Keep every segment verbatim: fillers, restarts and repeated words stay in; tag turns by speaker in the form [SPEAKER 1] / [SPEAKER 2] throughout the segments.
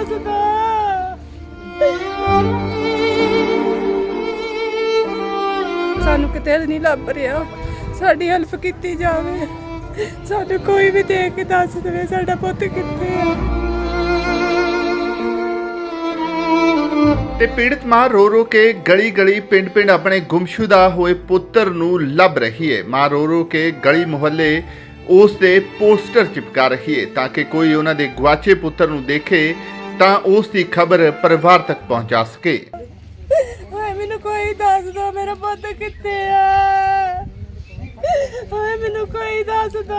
[SPEAKER 1] ਦੱਸਦਾ। ਸਾਨੂੰ ਕਿਤੇ ਨਹੀਂ ਲੱਭ ਰਿਹਾ, ਸਾਡੀ ਹੈਲਪ ਕੀਤੀ ਜਾਵੇ। ਸਾਨੂੰ ਕੋਈ ਵੀ ਦੇਖ ਕੇ ਦੱਸ ਦੇਵੇ ਸਾਡਾ ਪੁੱਤ ਕਿੱਥੇ ਆ।
[SPEAKER 2] ਤੇ ਪੀੜਤ ਮਾਂ ਰੋ ਰੋ ਕੇ ਗਲੀ ਗਲੀ ਪਿੰਡ ਪਿੰਡ ਆਪਣੇ ਗੁੰਮਸ਼ੁਦਾ ਹੋਏ ਪੁੱਤਰ ਨੂੰ ਲੱਭ ਰਹੀ ਹੈ। ਮਾਂ ਰੋ ਰੋ ਕੇ ਗਲੀ ਮੁਹੱਲੇ ਉਸ ਦੇ ਪੋਸਟਰ ਚਿਪਕਾ ਰਹੀ ਹੈ ਤਾਂ ਕਿ ਕੋਈ ਉਹਨਾਂ ਦੇ ਗਵਾਚੇ ਪੁੱਤਰ ਨੂੰ ਦੇਖੇ ਤਾਂ ਉਸ ਦੀ ਖਬਰ ਪਰਿਵਾਰ ਤੱਕ ਪਹੁੰਚਾ ਸਕੇ।
[SPEAKER 1] ਹਾਏ ਮੈਨੂੰ ਕੋਈ ਦੱਸ ਦੋ ਮੇਰਾ ਪੁੱਤ ਕਿੱਥੇ ਆ। ਹਾਏ ਮੈਨੂੰ ਕੋਈ ਦੱਸ ਦੋ,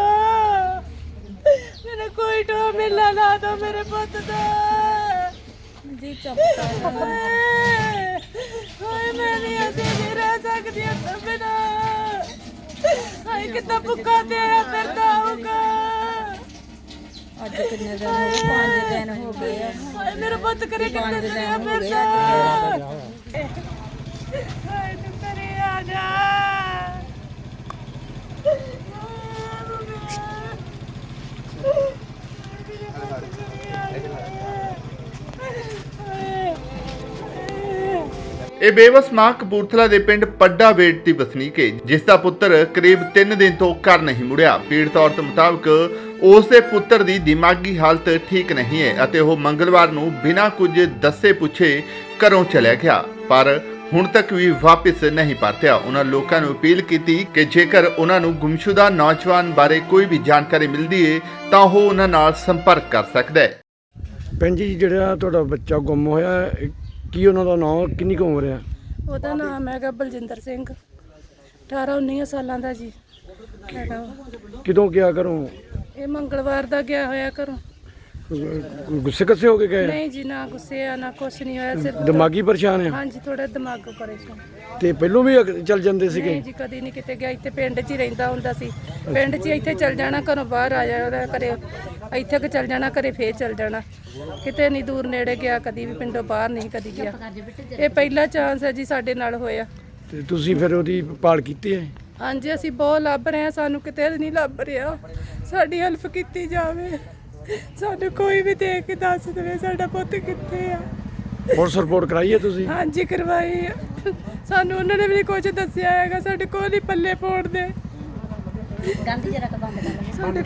[SPEAKER 1] ਮੈਨੂੰ ਕੋਈ ਟੋ ਮਿਲਾ ਲਾ ਦੋ ਮੇਰੇ ਪੁੱਤ ਦਾ ਜੀ। ਚੁੱਪ ਕਰ। ਹਾਏ ਮੈਂ ਨਹੀਂ ਅਸੀਂ ਨਹੀਂ ਰਹਿ ਸਕਦੀ ਇਸ ਬਿਨਾ। ਹਾਏ ਕਿੰਨਾ ਭੁੱਖਾ ਤੇ ਆਇਆ ਫਿਰਦਾ ਹੋਊਗਾ।
[SPEAKER 3] ਅੱਜ ਕਿੰਨੇ ਦਿਨ ਹੋ ਗਏ? ਪੰਜ ਦਿਨ ਹੋ ਗਏ ਆ।
[SPEAKER 1] ਹਾਏ ਮੇਰਾ ਪੁੱਤ ਕਰੇ ਕਿੰਨੇ ਦਿਨ ਆ ਫਿਰਦਾ। ਹਾਏ ਤੂੰ ਕਰੇ ਆ ਜਾ।
[SPEAKER 2] ਇਹ ਬੇਵਸ ਮਾਂ ਕਪੂਰਥਲਾ ਦੇ ਪਿੰਡ ਪੱਡਾ ਵੇਟ ਦੀ ਵਸਨੀਕ ਹੈ, ਜਿਸ ਦਾ ਪੁੱਤਰ ਕਰੀਬ ਤਿੰਨ ਦਿਨ ਤੋਂ ਘਰ ਨਹੀਂ ਮੁੜਿਆ। ਪੀੜਤ ਔਰਤ ਮੁਤਾਬਕ ਉਸ ਦੇ ਪੁੱਤਰ ਦੀ ਦਿਮਾਗੀ ਹਾਲਤ ਠੀਕ ਨਹੀਂ ਹੈ ਅਤੇ ਉਹ ਮੰਗਲਵਾਰ ਨੂੰ ਬਿਨਾਂ ਕੁਝ ਦੱਸੇ ਪੁੱਛੇ ਘਰੋਂ ਚਲਾ ਗਿਆ, ਪਰ ਹੁਣ ਤੱਕ ਵੀ ਵਾਪਸ ਨਹੀਂ ਪਰਤਿਆ। ਉਹਨਾਂ ਲੋਕਾਂ ਨੂੰ ਅਪੀਲ ਕੀਤੀ ਕਿ ਜੇਕਰ ਉਹਨਾਂ ਨੂੰ ਗੁੰਮਸ਼ੁਦਾ ਨੌਜਵਾਨ ਬਾਰੇ ਕੋਈ ਵੀ ਜਾਣਕਾਰੀ ਮਿਲਦੀ ਹੈ ਤਾਂ ਉਹ ਉਹਨਾਂ ਨਾਲ ਸੰਪਰਕ ਕਰ ਸਕਦਾ ਹੈ।
[SPEAKER 4] ਭੈਣ ਜੀ, ਜਿਹੜਾ ਤੁਹਾਡਾ ਬੱਚਾ ਗੁੰਮ ਹੋਇਆ, ਕੀ ਉਹਨਾਂ ਦਾ ਨਾਮ, ਕਿੰਨੀ ਕੁ ਉਮਰ ਆ?
[SPEAKER 1] ਉਹਦਾ ਨਾਮ ਹੈਗਾ ਬਲਜਿੰਦਰ ਸਿੰਘ, ਅਠਾਰਾਂ ਉੱਨੀ ਸਾਲਾਂ ਦਾ ਜੀ ਹੈਗਾ ਉਹ।
[SPEAKER 4] ਕਿਦੋਂ ਗਿਆ ਘਰੋਂ?
[SPEAKER 1] ਇਹ ਮੰਗਲਵਾਰ ਦਾ ਗਿਆ ਹੋਇਆ ਘਰੋਂ।
[SPEAKER 4] ਗੁੱਸੇ ਕੱਸੇ ਹੋ ਕੇ ਗਏ?
[SPEAKER 1] ਨਹੀਂ ਜੀ, ਨਾ ਗੁੱਸੇ ਆ ਨਾ ਕੁਛ ਨਹੀਂ ਹੋਇਆ, ਸਿਰਫ
[SPEAKER 4] ਦਿਮਾਗੀ ਪਰੇਸ਼ਾਨ ਆ?
[SPEAKER 1] ਹਾਂਜੀ ਥੋੜਾ ਦਿਮਾਗ ਪਰੇਸ਼ਾਨ।
[SPEAKER 4] ਤੇ ਪਹਿਲੋਂ ਵੀ ਅਗ- ਚੱਲ ਜਾਂਦੇ ਸੀਗੇ?
[SPEAKER 1] ਨਹੀਂ ਜੀ, ਕਦੀ ਨਹੀਂ ਕਿਤੇ ਗਿਆ। ਇੱਥੇ ਪਿੰਡ 'ਚ ਹੀ ਰਹਿੰਦਾ ਹੁੰਦਾ ਸੀ। ਪਿੰਡ 'ਚ ਹੀ ਇੱਥੇ ਚੱਲ ਜਾਣਾ, ਘਰੋਂ ਬਾਹਰ ਆ ਜਾਣਾ, ਘਰੇ ਇੱਥੇ ਕਿ ਚੱਲ ਜਾਣਾ, ਘਰੇ ਫੇਰ ਚੱਲ ਜਾਣਾ। ਕਿਤੇ ਨਹੀਂ ਦੂਰ ਨੇੜੇ ਗਿਆ, ਕਦੀ ਵੀ ਪਿੰਡੋਂ ਬਾਹਰ ਨਹੀਂ ਕਦੀ ਗਿਆ। ਇਹ ਪਹਿਲਾ ਚਾਂਸ ਹੈ ਜੀ ਸਾਡੇ ਨਾਲ ਹੋਇਆ।
[SPEAKER 4] ਤੇ ਤੁਸੀਂ ਫਿਰ ਉਹਦੀ ਭਾਲ ਕੀਤੀ ਹੈ?
[SPEAKER 1] ਹਾਂਜੀ ਅਸੀਂ ਬਹੁਤ ਲੱਭ ਰਹੇ ਹਾਂ, ਸਾਨੂੰ ਕਿਤੇ ਨਹੀਂ ਲੱਭ ਰਿਹਾ। ਸਾਡੀ ਹੈਲਪ ਕੀਤੀ ਜਾਵੇ। ਸਾਨੂੰ ਕੋਈ ਵੀ ਦੇਖ ਕੇ ਦੱਸ ਦੇਵੇ ਸਾਡਾ ਪੁੱਤ ਕਿੱਥੇ ਆ।
[SPEAKER 4] ਪੁਲਿਸ ਰਿਪੋਰਟ ਕਰਾਈ ਹੈ ਤੁਸੀਂ?
[SPEAKER 1] ਹਾਂਜੀ ਕਰਵਾਈ ਆ। ਸਾਨੂੰ ਉਹਨਾਂ ਨੇ ਵੀ ਕੁਝ ਦੱਸਿਆ ਹੈਗਾ, ਸਾਡੇ ਕੋਲ ਹੀ ਪੱਲੇ ਪਾਉਣ ਦੇ।
[SPEAKER 3] ਗਾਂਧੀ ਜਰਾ ਕ ਬੰਦ ਕਰ
[SPEAKER 1] ਸਾਡੇ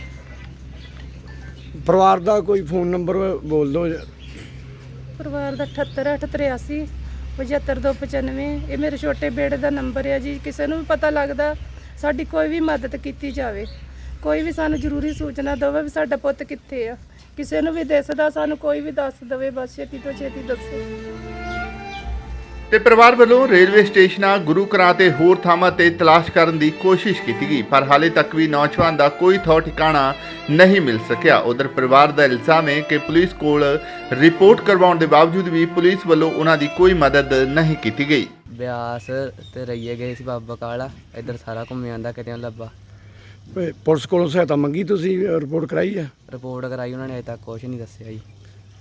[SPEAKER 4] ਪਰਿਵਾਰ ਦਾ ਕੋਈ ਫੋਨ ਨੰਬਰ ਬੋਲ ਦਿਓ।
[SPEAKER 1] ਪਰਿਵਾਰ ਦਾ ਅਠੱਤਰ ਅੱਠ ਤਰਿਆਸੀ ਪਝੱਤਰ ਦੋ ਪਚਾਨਵੇਂ। ਇਹ ਮੇਰੇ ਛੋਟੇ ਬੇੜੇ ਦਾ ਨੰਬਰ ਹੈ ਜੀ। ਕਿਸੇ ਨੂੰ ਵੀ ਪਤਾ ਲੱਗਦਾ ਸਾਡੀ ਕੋਈ ਵੀ ਮਦਦ ਕੀਤੀ ਜਾਵੇ। ਕੋਈ ਵੀ ਸਾਨੂੰ ਜ਼ਰੂਰੀ ਸੂਚਨਾ ਦੇਵੇ ਵੀ ਸਾਡਾ ਪੁੱਤ ਕਿੱਥੇ ਆ। ਕਿਸੇ ਨੂੰ ਵੀ ਦਿਸਦਾ ਸਾਨੂੰ ਕੋਈ ਵੀ ਦੱਸ ਦੇਵੇ, ਬਸ ਛੇਤੀ ਤੋਂ ਛੇਤੀ ਦੱਸੋ।
[SPEAKER 2] ਤੇ ਪਰਿਵਾਰ ਵੱਲੋਂ ਰੇਲਵੇ ਸਟੇਸ਼ਨਾਂ, ਗੁਰੂ ਘਰਾਂ ਤੇ ਹੋਰ ਥਾਵਾਂ ਤੇ ਤਲਾਸ਼ ਕਰਨ ਦੀ ਕੋਸ਼ਿਸ਼ ਕੀਤੀ ਗਈ, ਪਰ ਹਾਲੇ ਤੱਕ ਵੀ ਨੌਜਵਾਨ ਦਾ ਕੋਈ ਥਾਂ ਠਿਕਾਣਾ ਨਹੀਂ ਮਿਲ ਸਕਿਆ। ਉਧਰ ਪਰਿਵਾਰ ਦਾ ਇਲਜ਼ਾਮ ਹੈ ਕਿ ਪੁਲਿਸ ਕੋਲ ਰਿਪੋਰਟ ਕਰਵਾਉਣ ਦੇ ਬਾਵਜੂਦ ਵੀ ਪੁਲਿਸ ਵੱਲੋਂ ਉਹਨਾਂ ਦੀ ਕੋਈ ਮਦਦ ਨਹੀਂ ਕੀਤੀ ਗਈ।
[SPEAKER 5] ਬਿਆਸ ਤੇ ਰਈਏ ਗਏ ਸੀ ਬਾਬਾ ਕਾਲਾ, ਇੱਧਰ ਸਾਰਾ ਘੁੰਮ ਆਂਦਾ, ਕਿਤੇ ਨਹੀਂ ਲੱਭਾ।
[SPEAKER 4] ਪ- ਪੁਲਿਸ ਕੋਲੋਂ ਸਹਾਇਤਾ ਮੰਗੀ, ਤੁਸੀਂ ਰਿਪੋਰਟ ਕਰਾਈ ਹੈ?
[SPEAKER 5] ਰਿਪੋਰਟ ਕਰਾਈ, ਉਹਨਾਂ ਨੇ ਅਜੇ ਤੱਕ ਕੁਛ ਨਹੀਂ ਦੱਸਿਆ ਜੀ।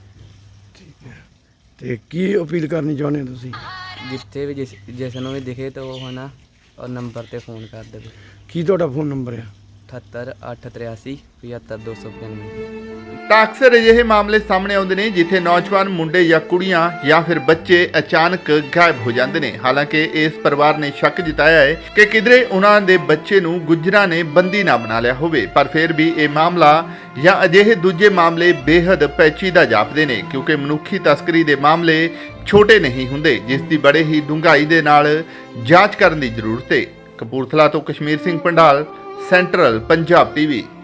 [SPEAKER 4] ਤੇ ਕੀ ਅਪੀਲ ਕਰਨੀ ਚਾਹੁੰਦੇ ਹੋ ਤੁਸੀਂ?
[SPEAKER 5] ਜਿੱਥੇ ਵੀ ਜਿਸ ਜਿਸ ਨੂੰ ਵੀ ਦਿਖੇ ਤਾਂ ਉਹ ਹੈ ਨਾ ਉਹ ਨੰਬਰ ਤੇ ਫੋਨ ਕਰ ਦੇਵੇ।
[SPEAKER 4] ਕੀ ਤੁਹਾਡਾ ਫੋਨ ਨੰਬਰ ਆ?
[SPEAKER 5] ਅਠੱਤਰ ਅੱਠ ਤਰਿਆਸੀ ਪਝੱਤਰ ਦੋ ਸੌ ਪਚਾਨਵੇਂ।
[SPEAKER 2] ਤਾਂ ਅਕਸਰ ਅਜਿਹੇ ਮਾਮਲੇ ਸਾਹਮਣੇ ਆਉਂਦੇ ਨੇ ਜਿੱਥੇ ਨੌਜਵਾਨ ਮੁੰਡੇ ਜਾਂ ਕੁੜੀਆਂ ਜਾਂ ਫਿਰ ਬੱਚੇ ਅਚਾਨਕ ਗਾਇਬ ਹੋ ਜਾਂਦੇ ਨੇ। ਹਾਲਾਂਕਿ ਇਸ ਪਰਿਵਾਰ ਨੇ ਸ਼ੱਕ ਜਤਾਇਆ ਹੈ ਕਿ ਕਿਧਰੇ ਉਹਨਾਂ ਦੇ ਬੱਚੇ ਨੂੰ ਗੁੱਜਰਾਂ ਨੇ ਬੰਦੀ ਨਾ ਬਣਾ ਲਿਆ ਹੋਵੇ, ਪਰ ਫਿਰ ਵੀ ਇਹ ਮਾਮਲਾ ਜਾਂ ਅਜਿਹੇ ਦੂਜੇ ਮਾਮਲੇ ਬੇਹੱਦ ਪੈਚੀਦਾ ਜਾਪਦੇ ਨੇ, ਕਿਉਂਕਿ ਮਨੁੱਖੀ ਤਸਕਰੀ ਦੇ ਮਾਮਲੇ ਛੋਟੇ ਨਹੀਂ ਹੁੰਦੇ, ਜਿਸ ਦੀ ਬੜੇ ਹੀ ਡੂੰਘਾਈ ਦੇ ਨਾਲ ਜਾਂਚ ਕਰਨ ਦੀ ਜ਼ਰੂਰਤ ਹੈ। ਕਪੂਰਥਲਾ ਤੋਂ ਕਸ਼ਮੀਰ ਸਿੰਘ ਪੰਡਾਲ, ਸੈਂਟਰਲ ਪੰਜਾਬ ਟੀਵੀ।